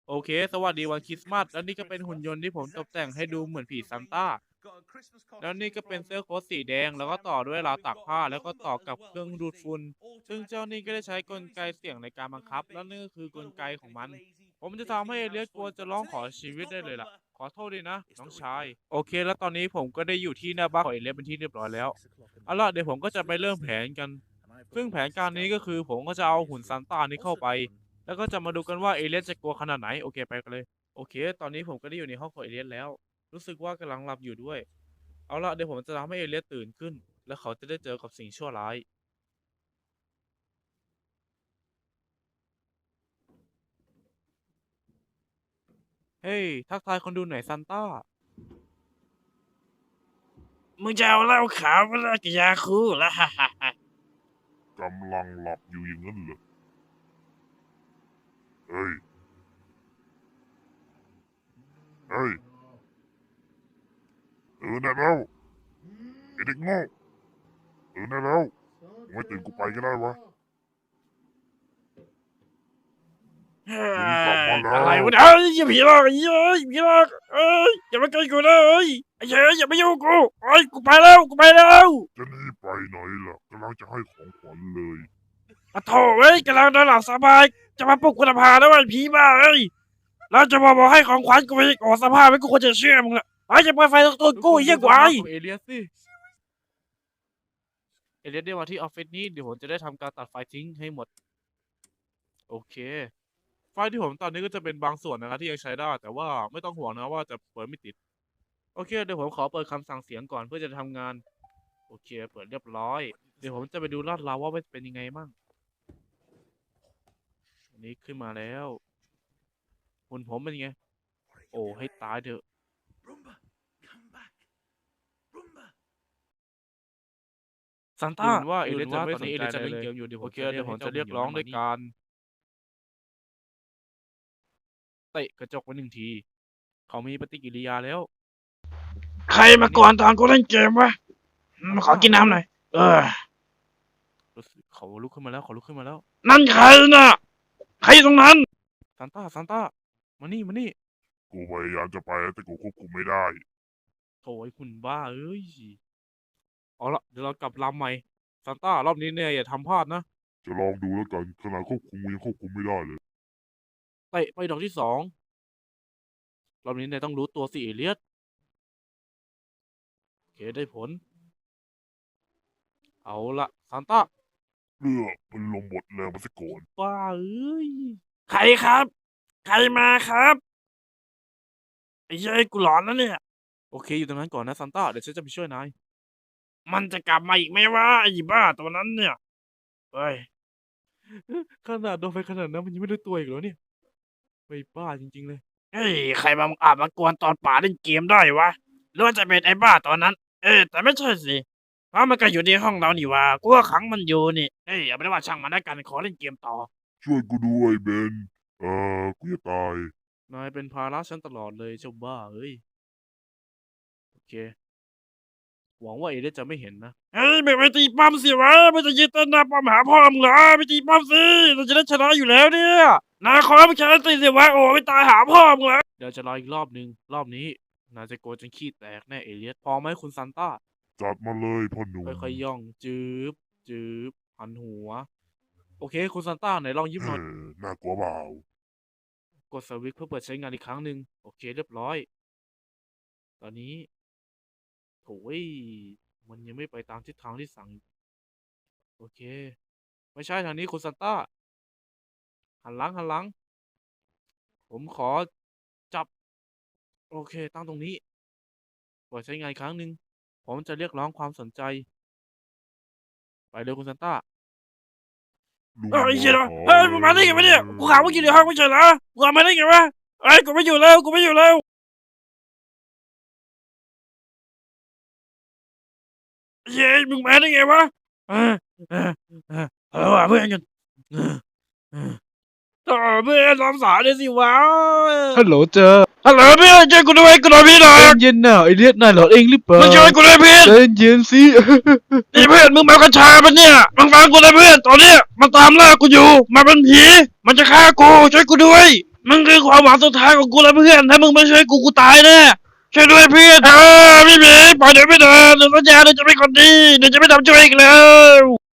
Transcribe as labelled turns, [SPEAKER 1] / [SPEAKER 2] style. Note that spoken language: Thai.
[SPEAKER 1] โอเคสวัสดีวันคริสต์มาสแล้วนี่ก็เป็นหุ่นยนต์ที่ผมตกแต่งให้ดูเหมือนผีซานต้าแล้วนี่ก็เป็นเสื้อโค้ทสีแดงแล้วก็ต่อด้วยราวตากผ้าแล้วก็ต่อกับเครื่องดูดฝุ่นซึ่งเจ้านี่ก็ได้ใช้กลไกเสียงในการบังคับแล้วนี่ก็คือกลไกของมันผมจะทำให้เอเลียสกลัวจะร้องขอชีวิตได้เลยล่ะขอโทษดีนะน้องชายโอเคแล้วตอนนี้ผมก็ได้อยู่ที่หน้าบ้านของเอเลียสเป็นที่เรียบร้อยแล้วเอาล่ะเดี๋ยวผมก็จะไปเริ่มแผนกันซึ่งแผนการนี้ก็คือผมก็จะเอาหุ่นซานต้านี้เข้าไปแล้วก็จะมาดูกันว่าเอเลียสจะกลัวขนาดไหนโอเคไปกันเลยโอเคตอนนี้ผมก็ได้อยู่ในห้องของเอเลียสแล้วรู้สึกว่ากำลังหลับอยู่ด้วยเอาล่ะเดี๋ยวผมจะทำให้เอเลียสตื่นขึ้นแล้วเขาจะได้เจอกับสิ่งชั่วร้ายเฮ้ยทักทายคนดูหน่อยซานต้ามึงจะเอาเหล้าขาวมาเลิกยาคูแล้วฮ่าฮ่าฮ่าก
[SPEAKER 2] ำลังหลับอยู่อย่างนั้นเหรอเฮ้ย เฮ้ยได้แล้วไอเด็กโง่ได้แล้วมึงไม่ตื่นกูไปก็ได้วะมึงกลับมาแล้ว
[SPEAKER 1] อะไรวะเนี่ยเอ้ยอย่าผีหลอกเอ้ยผีหลอกเอ้ยอย่ามาใกล้กูนะเอ้ยไอ้เหี้ยอย่ามายุ่งกูเอ้ยกูไปแล้วกูไปแล้ว
[SPEAKER 2] จะหนีไปไหนล่ะกำลังจะให้ของขวัญเลย
[SPEAKER 1] อะโถเว้ยกำลังนอนหลับสบายจะมาปลุกกูทำไมแล้วไอ้ผีบ้าเอ้ยแล้วจะมาบอกให้ของขวัญกูไปโอ้สภาพไม่กูควรจะเชื่อมึงละไอ้จะเปิดไฟตัวกูเยี่ยกว่าเอเลียสสิเอเลียสได้มาที่ออฟฟิศนี้เดี๋ยวผมจะได้ทำการตัดไฟทิ้งให้หมดโอเคไฟที่ผมตอนนี้ก็จะเป็นบางส่วนนะครับที่ยังใช้ได้แต่ว่าไม่ต้องห่วงนะว่าจะเปิดไม่ติดโอเคเดี๋ยวผมขอเปิดคำสั่งเสียงก่อนเพื่อจะทำงานโอเคเปิดเรียบร้อยเดี๋ยวผมจะไปดูลาดราวว่าเป็นยังไงมั่งอันนี้ขึ้นมาแล้วหุ่นผมเป็นยังไงโอ้ให้ตายเถอะซานต้าว่าเอเลียสจะไม่สนใจอะไรเลยโอเคเดี๋ยวผมจะเรียกร้องด้วยการเตะกระจกไปหนึ่งทีเขามีปฏิกิริยาแล้วใครมาก่อนตอนกูเล่นเกมวะมาขอกินน้ำหน่อยเขาลุกขึ้นมาแล้วเขาลุกขึ้นมาแล้วนั่นใครน่ะใครอยู่ตรงนั้นซานต้ามานี่
[SPEAKER 2] กูพยายามจะไปแต่กูควบคุมไม่ได้
[SPEAKER 1] โถ่ไอ้คุณบ้าเอ้ยเอาละเดี๋ยวเรากลับลำใหม่ซานต้ารอบนี้เนี่ยอย่าทำพลาดนะ
[SPEAKER 2] จะลองดูแล้วกันขนาดควบคุมยังควบคุมไม่ได้เลย
[SPEAKER 1] เตะไปดอกที่สองรอบนี้เนี่ยต้องรู้ตัวสิเอเลียสโอเคได้ผลเอาละซานต้า
[SPEAKER 2] เลือดมันลงหมดแรงมาซะก่อน
[SPEAKER 1] บ้าเอ้ยใครครับใครมาครับไอ้เย้ยกูหลอนแล้วเนี่ยโอเคอยู่ตรงนั้นก่อนนะซานต้าเดี๋ยวฉันจะไปช่วยนายมันจะกลับมาอีกไหมวะไอ้บ้าตัวนั้นเนี่ยเฮ้ยขนาดโดนไปขนาดนั้นมันยังไม่รู้ตัวอีกเหรอเนี่ยไม่บ้าจริงๆเลยเฮ้ยใครมาอาบมากวนตอนป่าเล่นเกมได้วะหรือว่าจะเป็นไอ้บ้าตอนนั้นแต่ไม่ใช่สิเพราะมันก็อยู่ในห้องเรานี่วะกูก็ขังมันอยู่นี่เฮ้ยอย่าไปว่าช่างมันแล้วกันขอเล่นเกมต่อ
[SPEAKER 2] ช่วยกูด้วยเบนกูจะตาย
[SPEAKER 1] นายเป็นภาระฉันตลอดเลยเจ้าบ้าเอ้ยโอเคหวังว่าเอเดนจะไม่เห็นนะเฮ้ยไม่ไปตีป้อมสิวะไม่จะยืนต้นหน้าป้อมหาพ่อมึงเหรอไปตีป้อมสิเราจะได้ชนะอยู่แล้วเนี่ยนาคอมแค่ตีสิวะโอ้ไม่ตายหาพ่อมึงเหรอเดี๋ยวจะรออีกรอบนึงรอบนี้นาจะโกรธจนขี้แตกแน่เอเลียสพอไหมคุณซานต้า
[SPEAKER 2] จัดมาเลยพ่อหนุ่ม
[SPEAKER 1] ค่อยๆย่องจืบหันหัวโอเคคุณซานต้าไหนลองยิ้มหน่อย
[SPEAKER 2] น่ากลัวเปล่าก
[SPEAKER 1] ดสวิตช์เพื่อเปิดใช้งานอีกครั้งหนึ่งโอเคเรียบร้อยตอนนี้โอ้ยมันยังไม่ไปตามทิศทางที่สั่งโอเคไม่ใช่ทางนี้คุณซานต้าหันหลังผมขอจับโอเคตั้งตรงนี้เปิดใช้งานอีกครั้งหนึ่งผมจะเรียกร้องความสนใจไปเลยคุณซานต้าเฮ้ยเชี่ยเฮ้ยมึงมาได้ไงวะเนี่ยกูข่าวว่าอยู่ในห้องไม่ใช่เหรอกูมาได้ไงวะเฮ้ยกูไม่อยู่แล้วเย้มึงมาได้ไงวะว่าเพื่อนกันต่อเพื่อนรับสายเลยสิวะ
[SPEAKER 3] ฮัลโหลเจอ
[SPEAKER 1] ฮัลโหลเพื่อนช่วยกูด้วยกูโดนพี่หน่อย
[SPEAKER 3] เย็นน่ะไอเลียดนายหลอดเองหรือเปล่า
[SPEAKER 1] มาช่วยกูด้วยเพื่อน
[SPEAKER 3] เย็นสิ
[SPEAKER 1] นี่เพื่อนมึงมากัญชาปะเนี่ยมึงฟังกูเลยเพื่อนตอนเนี้ยมันตามล่ากูอยู่มันเป็นผีมันจะฆ่ากูช่วยกูด้วย
[SPEAKER 3] มึงคือความหวังสุดท้ายของกูแล้วเพื่อนถ้ามึงไม่ช่วยกูตายแน่ช่วยด้วยเพื่อนพี่หมีปล่อยเดี๋ยวไม่เดินเดี๋ยวสัญญาเดี๋ยวจะไม่คนดีเดี๋ยวจะไม่ทำช่วยอีกแล้ว